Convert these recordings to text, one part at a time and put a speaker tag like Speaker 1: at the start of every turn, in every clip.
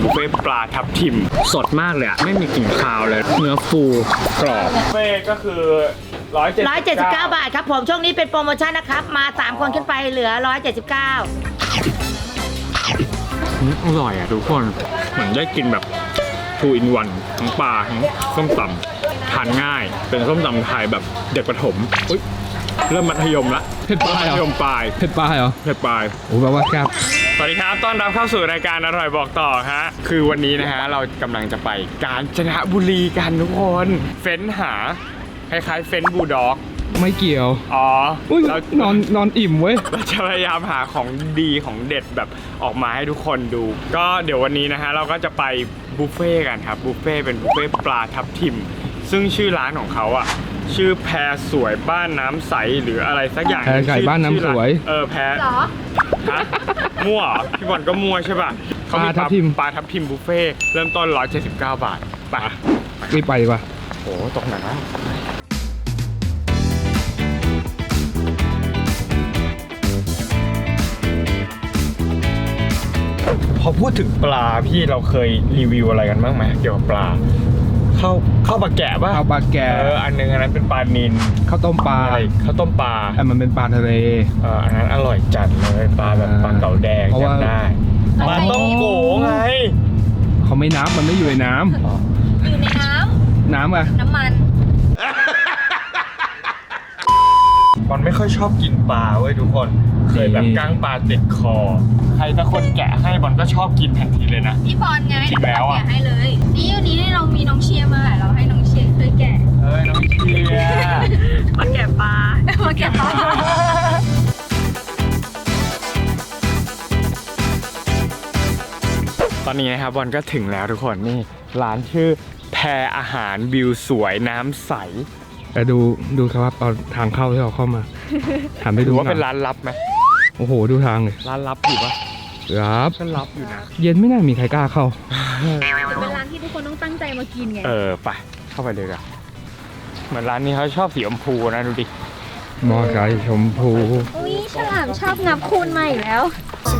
Speaker 1: บุฟเฟ่ปลาทับทิมสดมากเลยอะไม่มีกลิ่นคาวเลยเนื้อฟูกรอบบุฟเฟ่ก็คือ179
Speaker 2: บาทครับผมช่วงนี้เป็นโปรโมชั่นนะครับมา3คนขึ้นไปเหลือ179
Speaker 1: อร่อยอ่ะทุกคนเหมือนได้กินแบบ2 in 1ทั้งปลาทั้งส้มตำทานง่ายเป็นส้มตำไทยแบบเด็กประถมอุ๊ยเริ่มมัธยมละ
Speaker 3: เผ็ดปลายเหรอ
Speaker 1: มัธยมปลาย
Speaker 3: เผ็ดปลายเหรอ
Speaker 1: เผ็ดปลาย
Speaker 3: โอ้แปลว่าครับ
Speaker 1: สวัสดีครับต้อนรับเข้าสู่รายการอร่อยบอกต่อฮะคือวันนี้นะฮะเรากำลังจะไปกาญจนบุรีกันทุกคนเฟ้นหาคล้ายๆเฟ้นบูลด็อก
Speaker 3: ไม่เกี่ยว
Speaker 1: อ๋อ
Speaker 3: อุ้ย
Speaker 1: เรา
Speaker 3: นอนอิ่มเว้ย
Speaker 1: เราจะพยายามหาของดีของเด็ดแบบออกมาให้ทุกคนดูก็เดี๋ยววันนี้นะฮะเราก็จะไปบุฟเฟ่กันครับบุฟเฟ่เป็นบุฟเฟ่ปลาทับทิมซึ่งชื่อร้านของเขาอ่ะชื่อแพรสวยบ้านน้ำใสหรืออะไรสักอย่าง
Speaker 3: แพรไก่บ้านน้ำสวย
Speaker 1: แพรฮะมั่วเหรอพี่บอลก็มั่วใช่ป่ะเขามีปลาทับทิมบุฟเฟ่เริ่มต้น179 บาทไป
Speaker 3: รีบไปดีกว่า
Speaker 1: โอ้ตกหนักนะพอพูดถึงปลาพี่เราเคยรีวิวอะไรกันบ้างไหมเกี่ยวกับปลาข้าวปลาแกะป่ะ
Speaker 3: ข้าวปลาแกะ
Speaker 1: อันนึงอันนั้นเป็นปลานิล
Speaker 3: ข้าวต้มปลา
Speaker 1: อะไรข้าวต้มปลา
Speaker 3: แต่มันเป็นปลาทะเล
Speaker 1: อันนั้นอร่อยจัดเลยปลาแบบปลาเก๋าแดง
Speaker 3: เพราะว่า
Speaker 1: จำได้ปลาต้มโกไง
Speaker 3: เขาไม่นับมันไม่อยู่ในน้
Speaker 4: อยู่ในน้
Speaker 3: ำน้ำอะ
Speaker 4: ำน้ำมัน
Speaker 1: บอลไม่ค่อยชอบกินปลาเว้ยทุกคนเคยแบบก้างปลาติดคอใครถ้าคนแกะให้บอลก็ชอบกินทันทีเลยนะ
Speaker 4: พี่บอลไง
Speaker 1: จริงแล้วอะ
Speaker 4: แกะให้เลย นี่วันนี้เรามีน้องเชียร์มาเราให้น้องเชียร์ช่วยแกะ
Speaker 1: เฮ้ยน้องเชียร์
Speaker 2: มาแกะปลา
Speaker 4: มาแกะต่อ
Speaker 1: ตอนนี้นะครับบอลก็ถึงแล้วทุกคนนี่ร้านชื่อแพรอาหารวิวสวยน้ำใส
Speaker 3: แต่ดูครับเอาทางเข้าที่เราเข้ามาหันไป
Speaker 1: หรื
Speaker 3: ดู
Speaker 1: อว่าเป็น
Speaker 3: หอย
Speaker 1: ร้านลับไหม
Speaker 3: โอ้โหดูทางเลย
Speaker 1: ร้านลับอยู่ปะ
Speaker 3: ครับ
Speaker 1: ก็ลับอยู่นะ
Speaker 3: เย็นไม่น่ามีใครกล้าเข้า
Speaker 4: เป็นร้านที่ทุกคนต้องตั้งใจมากินไง
Speaker 1: ไปเข้าไปเลยกันเหมือนร้านนี้เขาชอบสีชมพูนะดูดิ
Speaker 3: มอไซค์ชมพู
Speaker 4: อุ้ยฉลามชอบนับคูณมาอีกแล้ว
Speaker 1: ส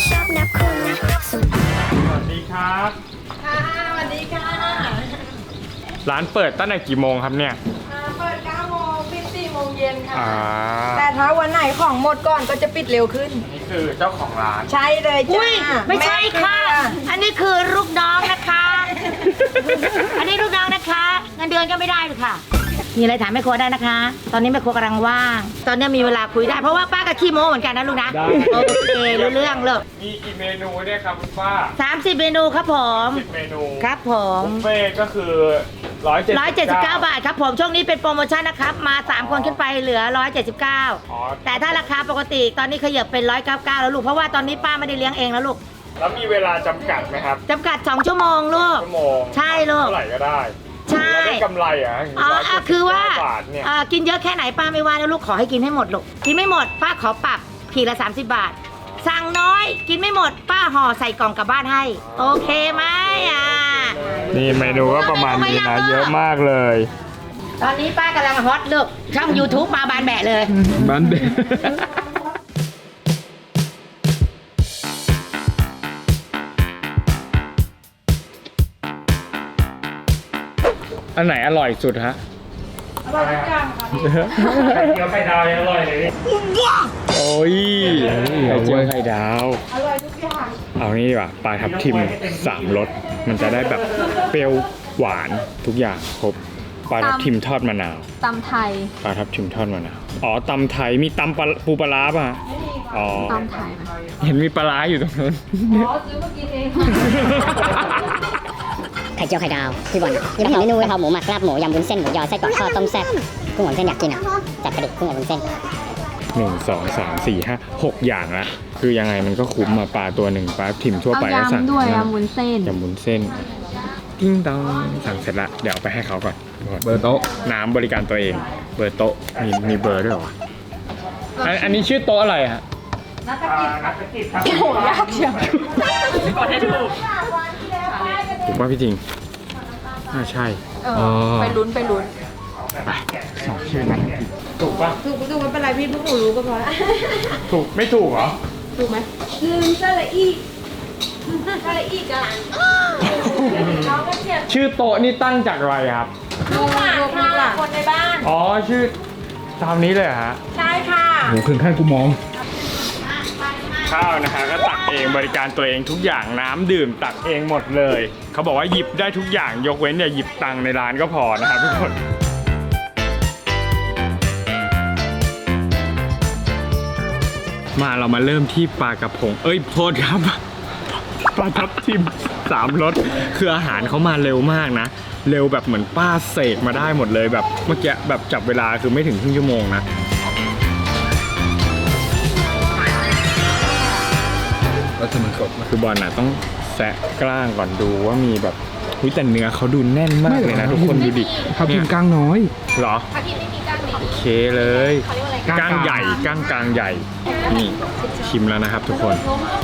Speaker 1: วัสดีครับ
Speaker 4: ค่ะสวัสดีค่ะ
Speaker 1: ร้านเปิดตั้งแต่กี่โมงครับเนี่ย
Speaker 5: เปิด 9 โมงปิด 4 โมงเย็นค่ะ แต่
Speaker 1: แต่
Speaker 5: ถ้าวันไหนของหมดก่อนก็จะปิดเร็วขึ้น
Speaker 1: นี่คือเจ้าของร้าน
Speaker 5: ใช่เลยจ้า
Speaker 2: อุ้ยไม่ใช่ค่ะ
Speaker 5: แม่
Speaker 2: อันนี้คือลูกน้องนะคะ อันนี้ลูกน้องนะคะเงินเดือนก็ไม่ได้เลยค่ะ มีอะไรถามแม่ครัวได้นะคะ ตอนนี้แม่ครัวกำลังว่าง ตอนนี้มีเวลาคุยได้เพราะว่าป้ากับขี้โม้เหมือนกันนะลูกนะ
Speaker 1: ได้
Speaker 2: โอเครู้เรื่องเลย
Speaker 1: มีกี่เมนูเนี่ยครับคุณป้า
Speaker 2: 30 เมนูครับผม
Speaker 1: 10 เมนู
Speaker 2: ครับผม
Speaker 1: บุฟเฟ่ก็คือ179
Speaker 2: 179 บาทครับผมช่วงนี้เป็นโปรโมชั่นนะครับมา3คนขึ้นไปเหลือ179
Speaker 1: อ๋อ
Speaker 2: แต่ถ้าราคาปกติตอนนี้ขยับเป็น199แล้วลูกเพราะว่าตอนนี้ป้าไม่ได้เลี้ยงเองแล้วลูก
Speaker 1: แล้วมีเวลาจำกัดไหมครับ
Speaker 2: จำกัด2 ชั่วโมงลูก
Speaker 1: ชั่วโมง
Speaker 2: ใช่ลูก
Speaker 1: เท่าไหร่ก็ได้
Speaker 2: ใช่
Speaker 1: แล้วได้กำไรเหรอ่ะ
Speaker 2: คือว่า
Speaker 1: บาทเนี่ย
Speaker 2: กินเยอะแค่ไหนป้าไม่ว่านะลูกขอให้กินให้หมดลูกกินไม่หมดป้าขอปรับขีดละ30 บาท สั่งน้อยกินไม่หมดป้าห่อใส่กล่องกลับบ้านให้ โอเคไหม
Speaker 1: นี่เมนูก็ประมาณนี้นะเยอะมากเลย
Speaker 2: ตอนนี้ป้ากำลังฮอตลูกช่อง YouTube มาบานแบะเลย
Speaker 3: บ้านเด็ก
Speaker 1: อันไหนอร่อยสุดฮะ
Speaker 5: อร่อยทุกอย่างค่ะ
Speaker 1: ไข่เจียวไข่ดาวยังอร่อยเลยโอ้ยไข่เจียวไข่ดาว
Speaker 5: อร่อยทุกอย่าง
Speaker 1: เอานี่ดีกว่าปลาทับทิม3 รสมันจะได้แบบเปรี้ยวหวานทุกอย่างครบปลาทับทิมทอดมะนาว
Speaker 4: ตำไทย
Speaker 1: ปลาทับทิมทอดมะนาวอ๋อตำไทยมีตำปูปลาร้าป่ะอ๋อ
Speaker 4: ตำไทยไหม
Speaker 1: เห็นมีปลาร้าอยู่ตรงนู้น
Speaker 5: อ๋อซื้อมากินเอง
Speaker 6: ไข่เจียวไข่ดาวพี่บอลยังไม่เห็นเมนูเลยครับหมูหมักลาบหมูยำวุ้นเส้นหมูยอไส้กรอกทอดต้มแซ่บกุ้งอบวุ้นเส้นอยากกินอ่ะจัดไปดิกุ้งอบวุ้นเส้น
Speaker 1: 1 2 3 4 5 6 อย่างละคือยังไงมันก็คุ้มมาปลาตัวหนึ่งปลาทิมทั่ว
Speaker 4: เอา
Speaker 1: ไปก็สั่ง
Speaker 4: ยำด้วยยำวุ้นเส้น
Speaker 1: ยำวุ้นเส้นติ้งตองสั่งเสร็จละเดี๋ยวเอาไปให้เขาก่อน
Speaker 3: เบอร์โต๊ะ
Speaker 1: น้ำบริการตัวเองเบอร์โต๊ะมีเบอร์ด้วยเหรอวะอันนี้ชื่อโต๊ะอะไรฮะ
Speaker 5: นักกิจครับ
Speaker 4: โอ้โหยากเชียว
Speaker 1: ถูกป่ะพี่จริงใช่
Speaker 4: ไปลุ้น
Speaker 1: ไปสองชื่อนั้นถูกป่ะ
Speaker 5: ถูกไม่เป็นไรพี่พวกหนูรู้ก็พอละ
Speaker 1: ถูกไม่ถูกเหรอ
Speaker 5: ถูกไหมลืมสระอีสระอีกัน
Speaker 1: ชื่อโต๊ะนี่ตั้งจากอะไรครับ
Speaker 2: ลูกหลานค่ะคนในบ้าน
Speaker 1: อ๋อชื่อตามนี้เลยเหรอฮะ
Speaker 2: ใช่ค่ะ
Speaker 3: โหถึงขั้นกูมอง
Speaker 1: ข้าวนะฮะก็ตักเองบริการตัวเองทุกอย่างน้ำดื่มตักเองหมดเลย เขาบอกว่าหยิบได้ทุกอย่างยกเว้นอย่าหยิบตังค์ในร้านก็พอนะครับทุกคนมาเรามาเริ่มที่ปลากระพงโทษครับปลาทับทิม3รสคืออาหารเขามาเร็วมากนะเร็วแบบเหมือนป้าเสกมาได้หมดเลยแบบเมื่อกี้แบบจับเวลาคือไม่ถึงครึ่งชั่วโมงนะแล้วจะมันสดคือบอลน่ะต้องแซะกล้างก่อนดูว่ามีแบบแต่เนื้อเขาดูแน่นมากเลยนะทุกคนดูดิ
Speaker 3: ทับทิมกลางน้อย
Speaker 1: เหรอ
Speaker 4: ถ้าพี่ไม่มีกล้างนี้
Speaker 1: โอเคเลย
Speaker 4: เขาเรียกว่าอะไร
Speaker 1: ก้างใหญ่ก้างกลางใหญ่นี่ชิมแล้วนะครับทุกคน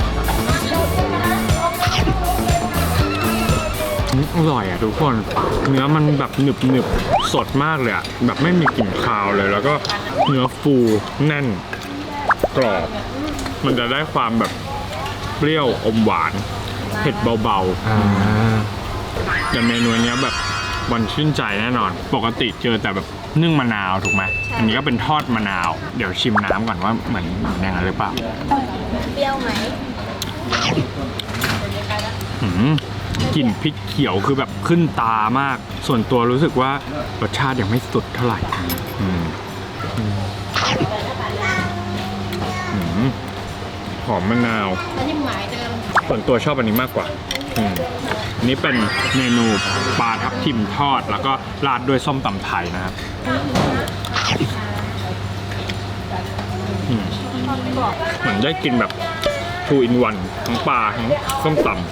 Speaker 1: อร่อยอ่ะทุกคนเนื้อมันแบบหนึบสดมากเลยอ่ะแบบไม่มีกลิ่นคาวเลยแล้วก็เนื้อฟูแน่นกรอบมันจะได้ความแบบเปรี้ยวอมหวานเผ็ดเบาๆแต่เมนูเนี้ยแบบวันชื่นใจแน่นอนปกติเจอแต่แบบนึ่งมะนาวถูกไหมอันนี้ก็เป็นทอดมะนาวเดี๋ยวชิมน้ำก่อนว่าเหมือนอย่างนั้นหรือเปล่า
Speaker 4: เปรี้ยวไหม
Speaker 1: กลิ่นพริกเขียวคือแบบขึ้นตามาก ส่วนตัวรู้สึกว่ารสชาติยังไม่สุดเท่าไหร่หอมมะนาวส่วนตัวชอบอันนี้มากกว่าอันนี้เป็นเมนูปลาทับทิมทอดแล้วก็ราดด้วยส้มตำไทยนะครับเหมือนได้กินแบบ 2 in 1ทั้งปลาทั้งส้มตำ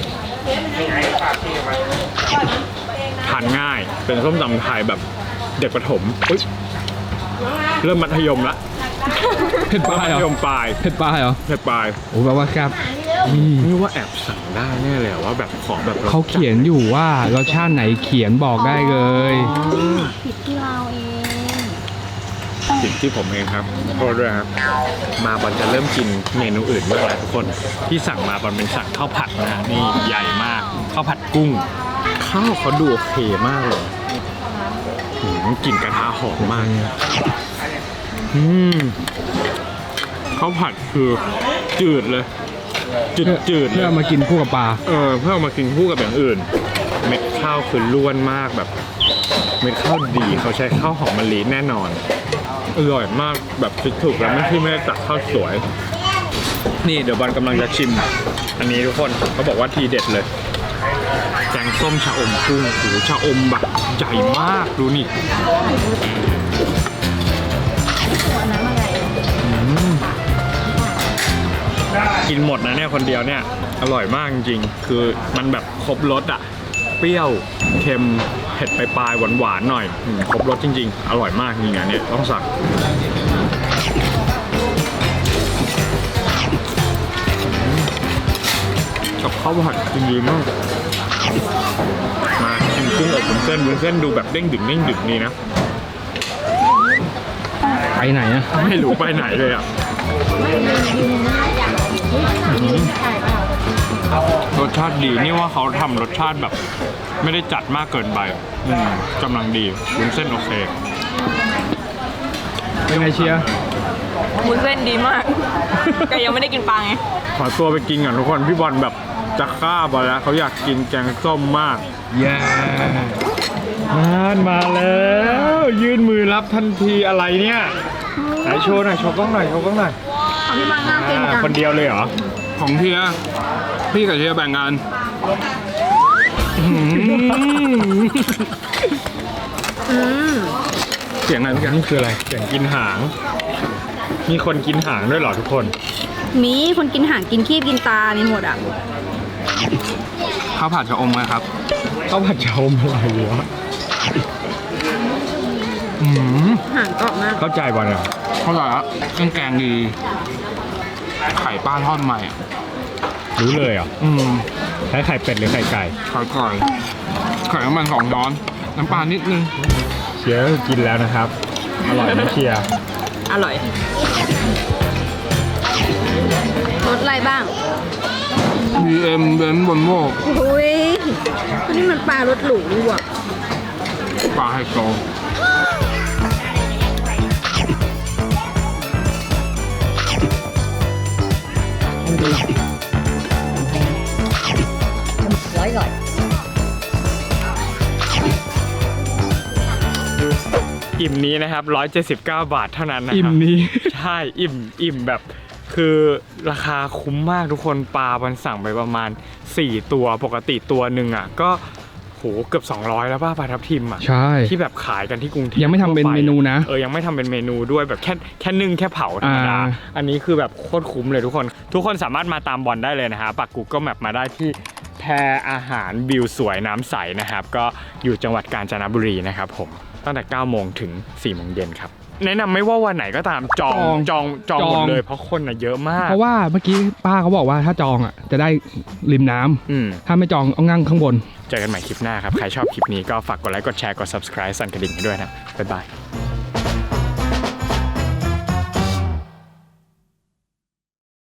Speaker 1: ทานง่ายเป็นส้มตำไทยแบบเด็กประถมเริ่มมัธยมละ
Speaker 3: เผ็ดปลายเหร
Speaker 1: มัธย
Speaker 3: อ
Speaker 1: มปลาย
Speaker 3: เผ็ดปลายเหรอ
Speaker 1: เผ็ดปลาย
Speaker 3: โอ้แปลว่าครับ
Speaker 1: นี่ว่าแอบสั่งได้แน่เลยว่าแบบขอแบบรสจัด
Speaker 3: เขาเขียนอยู่ว่ารสชาติไหนเขียนบอกได้เลย
Speaker 4: ผิดที่เราเอง
Speaker 1: ผิดที่ผมเองครับโทษด้วยครับมาบอลจะเริ่มกินเมนูอื่นบ้างแล้วทุกคนที่สั่งมาบอลเป็นสั่งข้าวผัดนะฮะนี่ใหญ่มากข้าวผัดกุ้งข้าวเขาดูโอเคมากเลยกลิ่นกระทะหอมมากข้าวผัดคือจืดเลยจืดๆ
Speaker 3: เพื่
Speaker 1: เล
Speaker 3: อย เอามากินคู่กับปลา
Speaker 1: เพื่อเอามากินคู่กับอย่างอื่นเม็ดข้าวคือล้วนมากแบบเม็ดข้าวดีเขาใช้ข้าวหอมมะลิแน่นอนอร่อยมากแบบคิดถูกแล้วไม่ได้ตักข้าวสวยนี่เดี๋ยวบอลกำลังจะชิมอันนี้ทุกคนเขาบอกว่าทีเด็ดเลยแกงส้มชะอมกุ้งโอ้โหชะอมแบบใหญ่มากดูนี่กินหมดนะเนี่ยคนเดียวเนี่ยอร่อยมากจริงๆคือมันแบบครบรสอ่ะเปรี้ยวเค็มเผ็ดปลายๆหวานๆหน่อยครบรสจริงๆอร่อยมากจริงๆเนี่ยต้องสั่งกับข้าวผัดจริงๆมากมากินกุ้งอบวุ้นเส้นดูแบบเด้งดึงนี่นะ
Speaker 3: ไปไหนอะ
Speaker 1: ไม่รู้ไปไหนเลยอ่ะรสชาติดีนี่ว่าเขาทำรสชาติแบบไม่ได้จัดมากเกินไปกำลังดีวุ้นเส้นโอเค
Speaker 3: เป็นไงเชียร์
Speaker 5: วุ้นเส้นดีมาก แต่ยังไม่ได้กินปลาไง
Speaker 1: ขอตัวไปกินก่อนทุกคนพี่บอลแบบจะฆ่าบอลแล้วเขาอยากกินแกงส้มมากเย้มาแล้วยื่นมือรับทันทีอะไรเนี่ยไหนโชว์หน่อยโชว์กล้องหน่อย
Speaker 4: พี่มังน่ากินจัง
Speaker 1: คนเดียวเลยเหรอ
Speaker 3: ของเชียร์พี่กับเชียร์แบ่งกัน
Speaker 1: เสียงอะไรเมื่อกี้นี่คืออะไรเสียงกินหางมีคนกินหางด้วยเหรอทุกคน
Speaker 4: มีคนกินหางกินขี้กินตามีหมดอ่ะ
Speaker 3: ข้าวผัดชะอมไงครับ
Speaker 1: ข้าวผัดชะอมอะไรวะ
Speaker 4: หางกรอบมาก
Speaker 1: เข้าใจบอลเหรอ
Speaker 3: เข้าใจแล้วเครื่องแกงดีไข่ปลาทอดใหม่อะ
Speaker 1: รู้เลยเหรอใช้ไข่เป็ดหรือไข่ไก่
Speaker 3: ไข่ไก่ไข่น้ำมัน2 ช้อนน้ำปลานิดนึง
Speaker 1: เชียร์ก็กินแล้วนะครับ อร่อยไหมเชียร์
Speaker 5: อร่อย
Speaker 4: รสอะไรบ้าง
Speaker 3: BM เบนซ์บนโมก
Speaker 4: อุ้ยนี่มันปลารสหรูนี่หว่า
Speaker 3: ปลาไฮโซ
Speaker 1: อิ่มนี้นะครับ179 บาทเท่านั้นนะครับ
Speaker 3: อิ่มนี้
Speaker 1: ใช่อิ่มแบบคือราคาคุ้มมากทุกคนปลามันสั่งไปประมาณ4ตัวปกติตัวหนึ่งอ่ะก็โหเกือบ200แล้วป่ะปลาทับทิมอ่ะ
Speaker 3: ใช่
Speaker 1: ที่แบบขายกันที่กรุงเทพ
Speaker 3: ยังไม่ทำเป็น
Speaker 1: ทั่วป
Speaker 3: เมนูนะ
Speaker 1: ยังไม่ทำเป็นเมนูด้วยแบบแค่นึ่งแค่เผาธรรมดา อันนี้คือแบบโคตรคุ้มเลยทุกคนสามารถมาตามบอลได้เลยนะฮะปักGoogle Mapมาได้ที่แพอาหารวิวสวยน้ำใสนะครับก็อยู่จังหวัดกาญจนบุรีนะครับผมตั้งแต่ 9 โมงถึง 4 โมงเย็นครับแนะนำไม่ว่าวันไหนก็ตามจองหมดเลยเพราะคนน่ะเยอะมาก
Speaker 3: เพราะว่าเมื่อกี้ป้าเขาบอกว่าถ้าจองอ่ะจะได้ริมน้ำถ้าไม่จองเอานั่งข้างบน
Speaker 1: เจอกันใหม่คลิปหน้าครับใครชอบคลิปนี้ก็ฝากกดไลค์กดแชร์กด subscribe สั่นกระดิ่งให้ด้วยนะบ๊ายบาย